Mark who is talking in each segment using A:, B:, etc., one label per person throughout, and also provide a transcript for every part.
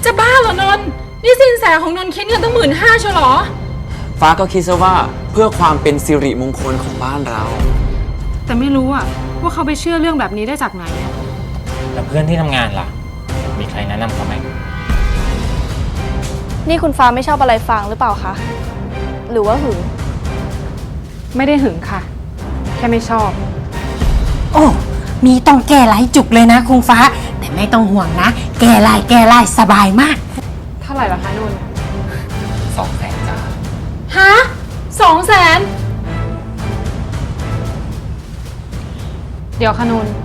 A: จะบ้าเหรอนนท์นี่สินแสของนนท์คิดเงินตั้ง15,000เชียวเหรอ
B: ฟ้าก็คิดซะว่าเพื่อความเป็นสิริมงคลของบ้านเรา
A: แต่ไม่รู้อะว่าเขาไปเชื่อเรื่องแบบนี้ได้จากไหนอะ
C: แล้วเพื่อนที่ทำงานล่ะมีใครแนะนำเขาไหม
D: นี่คุณฟ้าไม่ชอบอะไรฟางหรือเปล่าคะหรือว่าหึง
A: ไม่ได้หึงค่ะแค่ไม่ชอบ
E: โอ้มีต้องแก้หลายจุกเลยนะคุณฟ้าแต่ไม่ต้องห่วงนะแก้ไล่สบายมาก
A: เท่าไหร่ล่ะคะนนท์
C: 200,000 จ้า
A: ฮะ200,000เดี๋ยวคะนนท์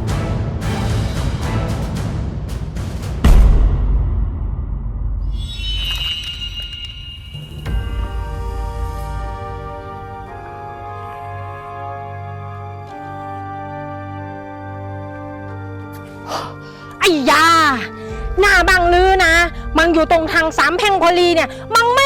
E: ไอ้ยาหน้าบังลือนะมังอยู่ตรงทางสามแพร่งพอลีเนี่ยมังไม่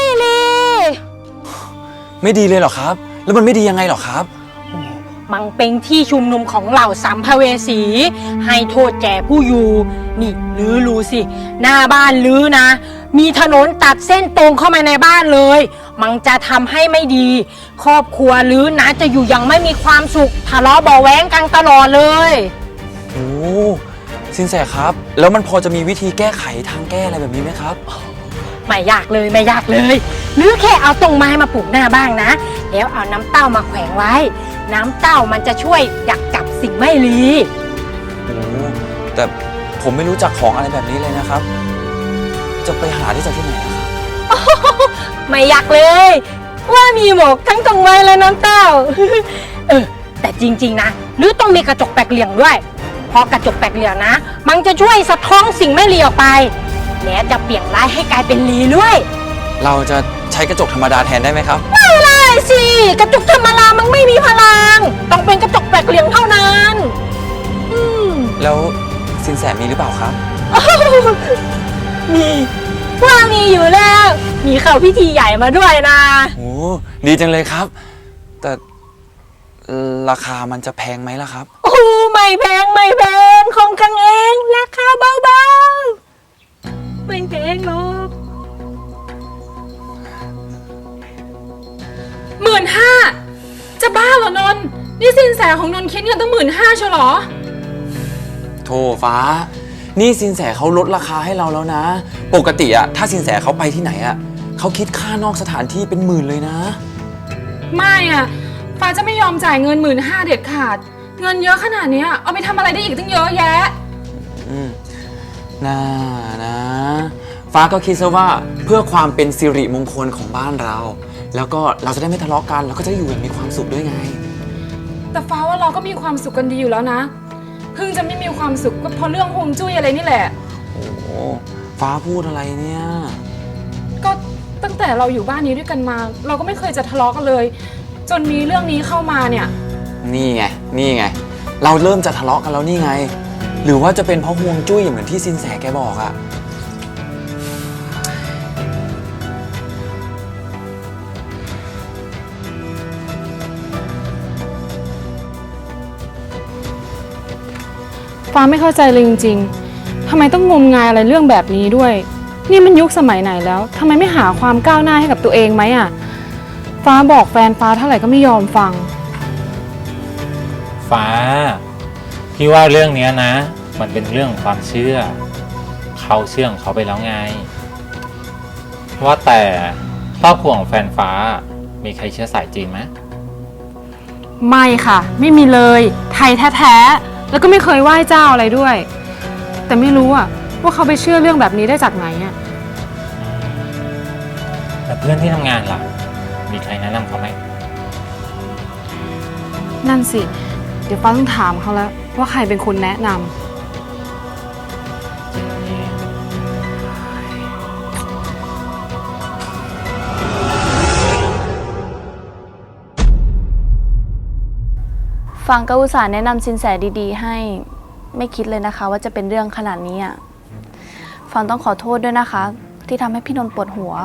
B: ดีเลยเหรอครับแล้วมันไม่ดียังไงเหรอครับ
E: มังเป็นที่ชุมนุมของเหล่าสัมภเวสีให้โทษแก่ผู้อยู่นี่ลือรู้สิหน้าบ้านลือนะมีถนนตัดเส้นตรงเข้ามาในบ้านเลยมังจะทำให้ไม่ดีครอบครัวลือนะจะอยู่อย่างไม่มีความสุขทะเลาะเบาะแว้งกันตลอดเลย
B: โอ้สินแสครับแล้วมันพอจะมีวิธีแก้ไขทางแก้อะไรแบบนี้ไหมครับ
E: ไม่ยากเลยหรือแค่เอาตรงไม้มาปลูกหน้าบ้างนะแล้วเอาน้ำเต้ามาแขวนไว้น้ำเต้ามันจะช่วยดักจับสิ่งไม่ดี
B: โอ้แต่ผมไม่รู้จักของอะไรแบบนี้เลยนะครับจะไปหาได้จากที่ไหนครับ
E: ไม่ยากเลยว่ามีหมกทั้งตรงไม้และน้ำเต้าแต่จริงๆนะหรือต้องมีกระจกแปลกเหลี่ยมด้วยเพราะกระจกแปลกเหลี่ยมนะมันจะช่วยสะท้อนสิ่งไม่ดีออกไปและจะเปลี่ยนร้ายให้กลายเป็นดีด้วย
B: เราจะใช้กระจกธรรมดาแทนได้ไหมครับ
E: ไม่ได้สิกระจกธรรมดามันไม่มีพลังต้องเป็นกระจกแปลกเหลี่ยมเท่านั้น
B: แล้วสินแสมีหรือเปล่าครับ
E: มีอยู่แล้วมีเข้าพิธีใหญ่มาด้วยนะ
B: โอ้ดีจังเลยครับแต่ราคามันจะแพงไหมล่ะครับ
E: โอ้ไม่แพงของกันเองราคาเบาๆไม่แพงหรอก
A: 15,000จะบ้าเหรอนนท์นี่สินแสของนนท์คิดเงินตั้ง15,000เชียวเหรอ
B: โธ่ฟ้านี่สินแสเขาลดราคาให้เราแล้วนะปกติอะถ้าสินแสเขาไปที่ไหนอะเขาคิดค่านอกสถานที่เป็น10,000เลยนะ
A: ไม่อะฟ้าจะไม่ยอมจ่ายเงิน15,000เด็ดขาดเงินเยอะขนาดนี้เอาไปทำอะไรได้อีกตั้งเยอะแยะ
B: น่านะฟ้าก็คิดซะว่าเพื่อความเป็นสิริมงคลของบ้านเราแล้วก็เราจะได้ไม่ทะเลาะกันเราก็จะได้อยู่อย่างมีความสุขด้วยไง
A: แต่ฟ้าว่าเราก็มีความสุขกันดีอยู่แล้วนะเพิ่งจะไม่มีความสุขก็เพราะเรื่องฮวงจุ้ยอะไรนี่แหละ
B: โอ้ฟ้าพูดอะไรเนี่ย
A: ก็ตั้งแต่เราอยู่บ้านนี้ด้วยกันมาเราก็ไม่เคยจะทะเลาะกันเลยจนมีเรื่องนี้เข้ามาเนี่ย
B: นี่ไงเราเริ่มจะทะเลาะกันแล้วนี่ไงหรือว่าจะเป็นเพราะฮวงจุ้ยเหมือนที่สินแสแกบอกอะ
A: ฟ้าไม่เข้าใจเลยจริงๆทำไมต้องงมงายอะไรเรื่องแบบนี้ด้วยนี่มันยุคสมัยไหนแล้วทำไมไม่หาความก้าวหน้าให้กับตัวเองไหมอะฟ้าบอกแฟนฟ้าเท่าไหร่ก็ไม่ยอมฟัง
C: ฟ้าพี่ว่าเรื่องนี้นะมันเป็นเรื่องความเชื่อเขาเชื่อของเขาไปแล้วไงว่าแต่ครอบครัวของแฟนฟ้ามีใครเชื้อสายจีนไหม
A: ไม่ค่ะไม่มีเลยไทยแท้ๆแล้วก็ไม่เคยไหว้เจ้าอะไรด้วยแต่ไม่รู้อะว่าเขาไปเชื่อเรื่องแบบนี้ได้จากไหนอะ
C: แล้วเพื่อนที่ทำงานล่ะมีใครแนะนำเขาไหม
A: นั่นสิเดี๋ยวฟ้าต้องถามเขาแล้วว่าใครเป็นคนแนะนำ
D: ฟังก็อุตส่าห์แนะนำสินแสดีๆให้ไม่คิดเลยนะคะว่าจะเป็นเรื่องขนาดนี้อ่ะฟังต้องขอโทษด้วยนะคะที่ทำให้พี่นนท์ปวดหัว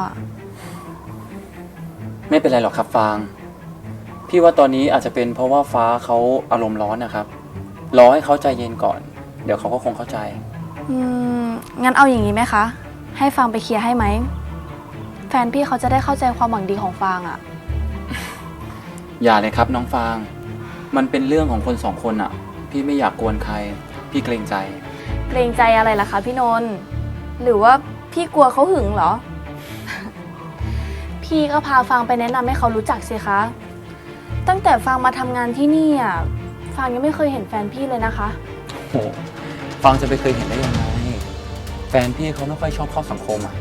B: ไม่เป็นไรหรอกครับฟางพี่ว่าตอนนี้อาจจะเป็นเพราะว่าฟ้าเขาอารมณ์ร้อนนะครับรอให้เขาใจเย็นก่อนเดี๋ยวเขาก็คงเข้าใจ
D: งั้นเอาอย่างนี้ไหมคะให้ฟางไปเคลียร์ให้ไหม แฟนพี่เขาจะได้เข้าใจความหวังดีของฟางอะ
B: อย่าเลยครับน้องฟาง มันเป็นเรื่องของคนสองคนอะพี่ไม่อยากกวนใคร พี่เกรงใจ
D: เกรงใจอะไรล่ะคะพี่นนท์หรือว่าพี่กลัวเขาหึงเหรอ พี่ก็พาฟางไปแนะนำให้เขารู้จักสิคะ ตั้งแต่ฟางมาทำงานที่นี่อ่ะฟางยังไม่เคยเห็นแฟนพี่เลยนะคะ
B: โอ้ฟางจะไปเคยเห็นได้ยังไง แฟนพี่เขาไม่ค่อยชอบเข้าสังคมอะ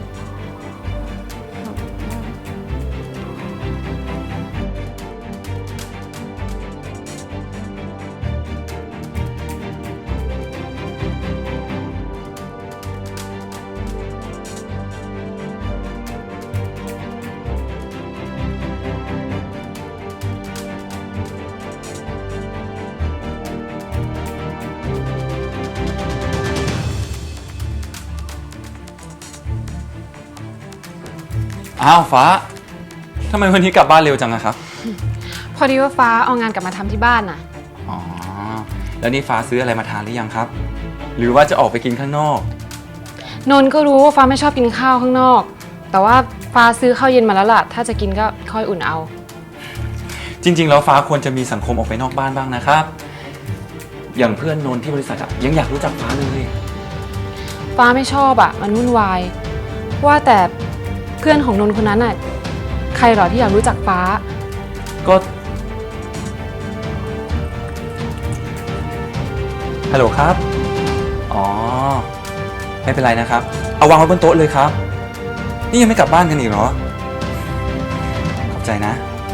B: อ้าวฟ้า ทำไมวันนี้กลับบ้านเร็วจังอะครับ
A: พอดีว่าฟ้าเอางานกลับมาทำที่บ้านน่ะ
B: อ๋อ แล้วนี่ฟ้าซื้ออะไรมาทานหรือยังครับ หรือว่าจะออกไปกินข้างนอก
A: นนท์ก็รู้ว่าฟ้าไม่ชอบกินข้าวข้างนอก แต่ว่าฟ้าซื้อข้าวเย็นมาแล้วล่ะ ถ้าจะกินก็ค่อยอุ่นเอา
B: จริงๆแล้วฟ้าควรจะมีสังคมออกไปนอกบ้านบ้างนะครับ อย่างเพื่อนนนท์ที่บริษัทอะยังอยากรู้จักฟ้าเลย
A: ฟ้าไม่ชอบอ่ะ มันวุ่นวาย ว่าแต่เพื่อนของนนท์คนนั้นอ่ะ ใครเหรอที่อยากรู้จักฟ้า
B: ก็ ฮัลโหลครับ อ๋อ ไม่เป็นไรนะครับ เอาวางไว้บนโต๊ะเลยครับ นี่ยังไม่กลับบ้านกันอีกเหรอ ขอบใจนะ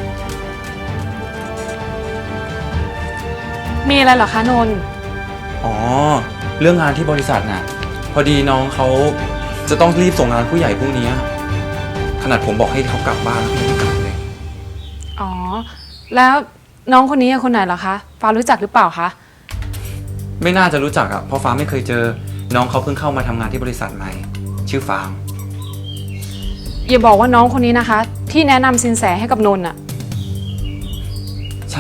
A: มีอะไรเหรอคะนนท์
B: อ๋อ เรื่องงานที่บริษัทน่ะ พอดีน้องเขาจะต้องรีบส่งงานผู้ใหญ่พรุ่งนี้ ขนาดผมบอกให้เขากลับบ้านแล้วเขาไม่กลับเลย
A: อ๋อ แล้วน้องคนนี้คนไหนเหรอคะ ฟ้ารู้จักหรือเปล่าคะ
B: ไม่น่าจะรู้จักอ่ะ เพราะฟ้าไม่เคยเจอ น้องเขาเพิ่งเข้ามาทำงานที่บริษัทใหม่ ชื่อฟาง
A: อย่าบอกว่าน้องคนนี้นะคะ ที่แนะนำสินแสให้กับนนท์อ่ะ
B: ใช่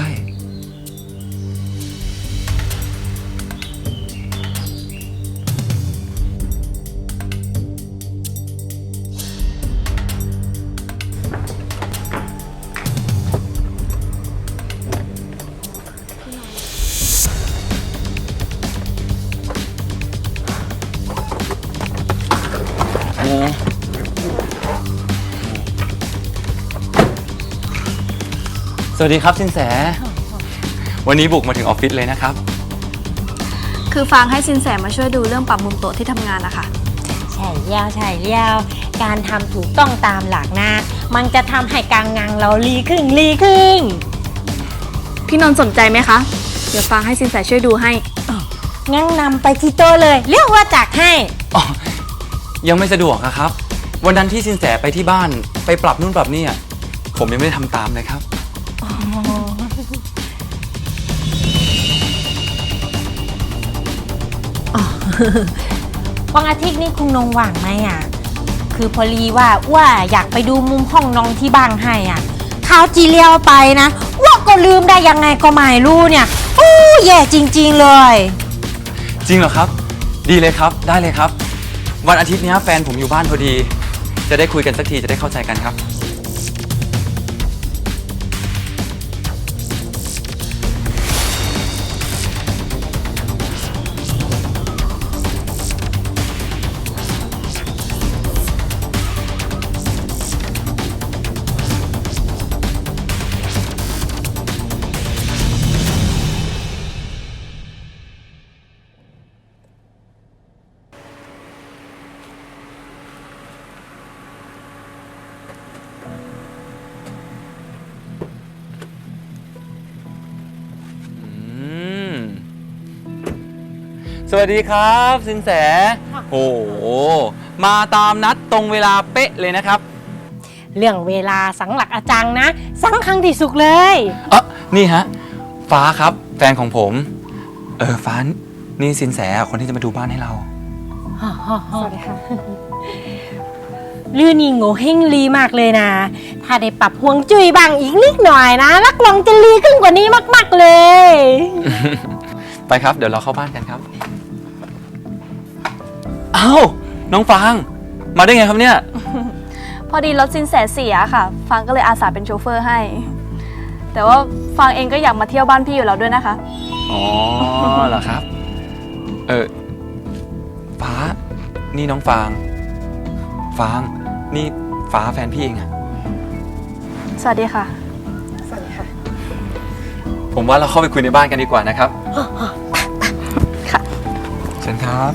B: สวัสดีครับสินแส วันนี้บุกมาถึงออฟฟิศเลยนะครับ
D: คือฟางให้สินแสมาช่วยดูเรื่องปรับมุมโต๊ะที่ทำงานนะคะ
E: ใช่แล้วใช่แล้วการทำถูกต้องตามหลักนะ มันจะทำให้การงานเราลีขึ้นลีขึ้น
D: พี่นนท์สนใจไหมคะ เดี๋ยวฟางให้สินแสช่วยดูให้
E: งั้นนำไปที่โต๊ะเลย เรียกว่าจักให้
B: อ๋อ ยังไม่สะดวกอะครับ วันนั้นที่สินแสไปที่บ้านไปปรับนู่นปรับนี่อะผมยังไม่ได้ทำตามเลยครับ
E: วันอาทิตย์นี้คุณนงว่างไหมอ่ะ คือพอดีว่าอยากไปดูมุมห้องน้องที่บ้านให้อ่ะข้าวจีเลียวไปนะว่าก็ลืมได้ยังไงก็ไม่รู้เนี่ยโอ้แย่จริงๆเลย
B: จริงเหรอครับ ดีเลยครับ ได้เลยครับ วันอาทิตย์นี้แฟนผมอยู่บ้านพอดี จะได้คุยกันสักทีจะได้เข้าใจกันครับ สวัสดีครับสินแสโอ้โหมาตามนัดตรงเวลาเป๊ะเลยนะครับ
E: เรื่องเวลาสังหลักอาจังนะสังคังที่สุดเลย
B: นี่ฮะ ฟ้าครับ แฟนของผม ฟ้านี่สินแสคนที่จะมาดูบ้านให้เรา
A: สวัสดีค่ะ
E: ลื่นนี่โง่เฮงลีมากเลยนะ ถ้าได้ปรับฮวงจุ้ยบ้างอีกนิดหน่อยนะรักลองจะลีขึ้นกว่านี้มากๆเลย
B: ไปครับ เดี๋ยวเราเข้าบ้านกันครับ อ้าว น้องฟางมาได้ไงครับเนี่ย
D: พอดีรถสินแสเสียค่ะ ฟังก็เลยอาสาเป็นโชเฟอร์ให้ แต่ว่าฟังเองก็อยากมาเที่ยวบ้านพี่อยู่แล้วด้วยนะคะ
B: อ๋อเหรอครับ ฟ้า นี่น้องฟาง ฟาง นี่ฟ้าแฟนพี่เองอะ
D: สวัสดีค่ะ
B: ผมว่าเราเข้าไปคุยในบ้านกันดีกว่านะครับ
D: ค่ะ
B: เชิญครับ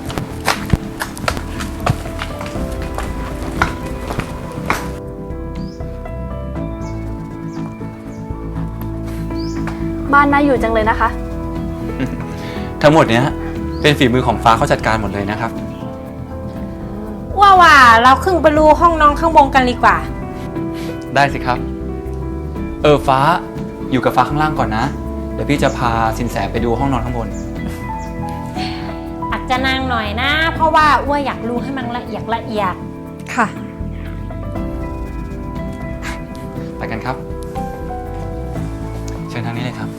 D: บ้านน่าอยู่จังเลยนะคะ
B: ทั้งหมดเนี้ยเป็นฝีมือของฟ้าเขาจัดการหมดเลยนะครับ
E: ว่าเราขึ้นไปดูห้องน้องข้างบนกันดีกว่า
B: ได้สิครับ ฟ้าอยู่กับฟ้าข้างล่างก่อนนะ เดี๋ยวพี่จะพาสินแสไปดูห้องนอนข้างบน
E: อาจจะนางหน่อยนะ เพราะว่าอ้วอยากรู้ให้มันละเอียด
A: ค่ะ
B: ไปกันครับ เชิญทางนี้เลยครับ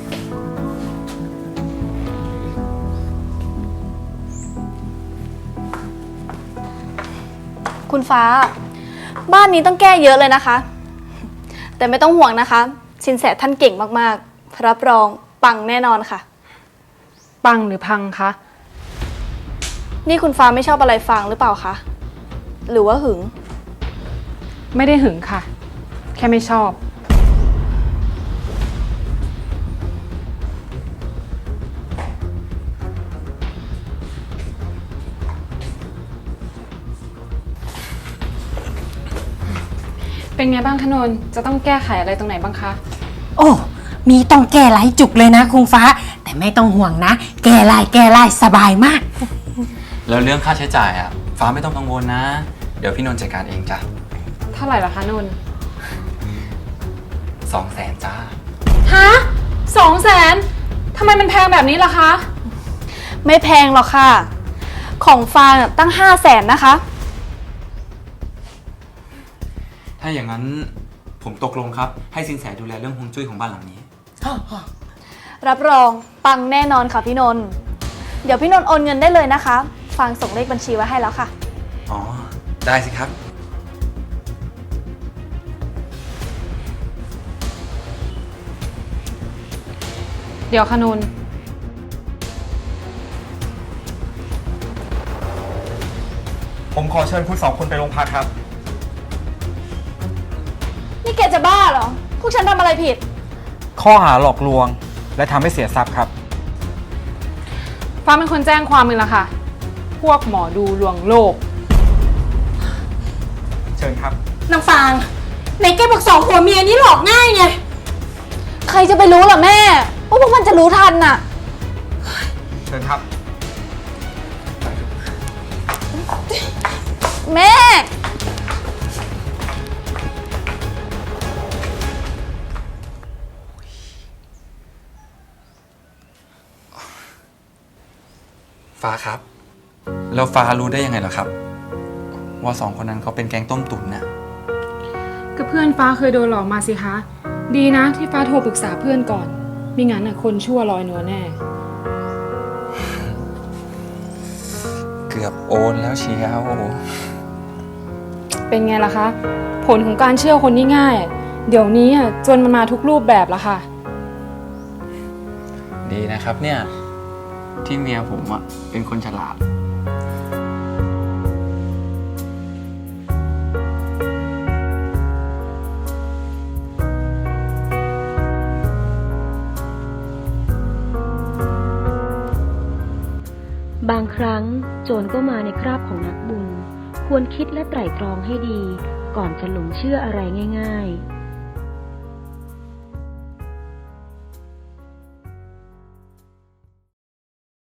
D: คุณฟ้า บ้านนี้ต้องแก้เยอะเลยนะคะ แต่ไม่ต้องห่วงนะคะ สินแสท่านเก่งมากๆ รับรองปังแน่นอนค่ะ
A: ปังหรือพังคะ
D: นี่คุณฟ้าไม่ชอบอะไรฟังหรือเปล่าคะ หรือว่าหึง
A: ไม่ได้หึงค่ะ แค่ไม่ชอบ เป็นไงบ้างคะนนท์จะต้องแก้ไขอะไรตรงไหนบ้างคะ
E: ๆ โอ้มีต้องแก้หลายจุกเลยนะคุณฟ้า แต่ไม่ต้องห่วงนะ แก้ไล่สบายมาก
B: แล้วเรื่องค่าใช้จ่ายอ่ะ ฟ้าไม่ต้องกังวลนะ เดี๋ยวพี่นนท์จัดการเองจ้ะ
A: เท่าไหร่ล่ะคะนนท์
B: 200,000จ้า
A: ฮะ200,000ทำไมมันแพงแบบนี้ล่ะคะ
D: ไม่แพงหรอกค่ะ ของฟางอะตั้ง500,000นะคะ
B: ถ้าอย่างนั้นผมตกลงครับ ให้สินแสดูแลเรื่องฮวงจุ้ยของบ้านหลังนี้
D: รับรองปังแน่นอนค่ะพี่นนท์ เดี๋ยวพี่นนท์โอนเงินได้เลยนะคะ ฟางส่งเลขบัญชีไว้ให้แล้วค่ะ
B: อ๋อ ได้สิครับ
A: เดี๋ยวคะนนท์
F: ผมขอเชิญคุณสองคนไปโรงพักครับ
D: นี่แกจะบ้าเหรอ พวกฉันทำอะไรผิด
F: ข้อหาหลอกลวงและทำให้เสียทรัพย์ครับ
A: ฟ้าเป็นคนแจ้งความเองล่ะค่ะ พวกหมอดูลวงโลก
F: เชิญครับ
E: นางฟางในแกบอก2 ผัวเมียนี้หลอกง่ายไง
D: ใครจะไปรู้ล่ะแม่ว่าพวกมันจะรู้ทันน่ะ
F: เชิญครับ
D: แม่
B: ฟ้าครับ แล้วฟ้ารู้ได้ยังไงเหรอครับ ว่า2 คนนั้นเขาเป็นแก๊งต้มตุ๋นน่ะ
A: ก็เพื่อนฟ้าเคยโดนหลอกมาสิคะ ดีนะที่ฟ้าโทรปรึกษาเพื่อนก่อนไม่งั้นน่ะคนชั่วลอยนวลแน่
B: เกือบโอนแล้วเชียว
A: เป็นไงล่ะคะ ผลของการเชื่อคนง่ายๆเดี๋ยวนี้อ่ะจนมันมาทุกรูปแบบแล้วค่ะ
B: ดีนะครับเนี่ย ที่เมียผมอ่ะเป็นคนฉลาด
G: บางครั้งโจรก็มาในคราบของนักบุญ ควรคิดและไตร่ตรองให้ดี ก่อนจะหลงเชื่ออะไรง่ายๆ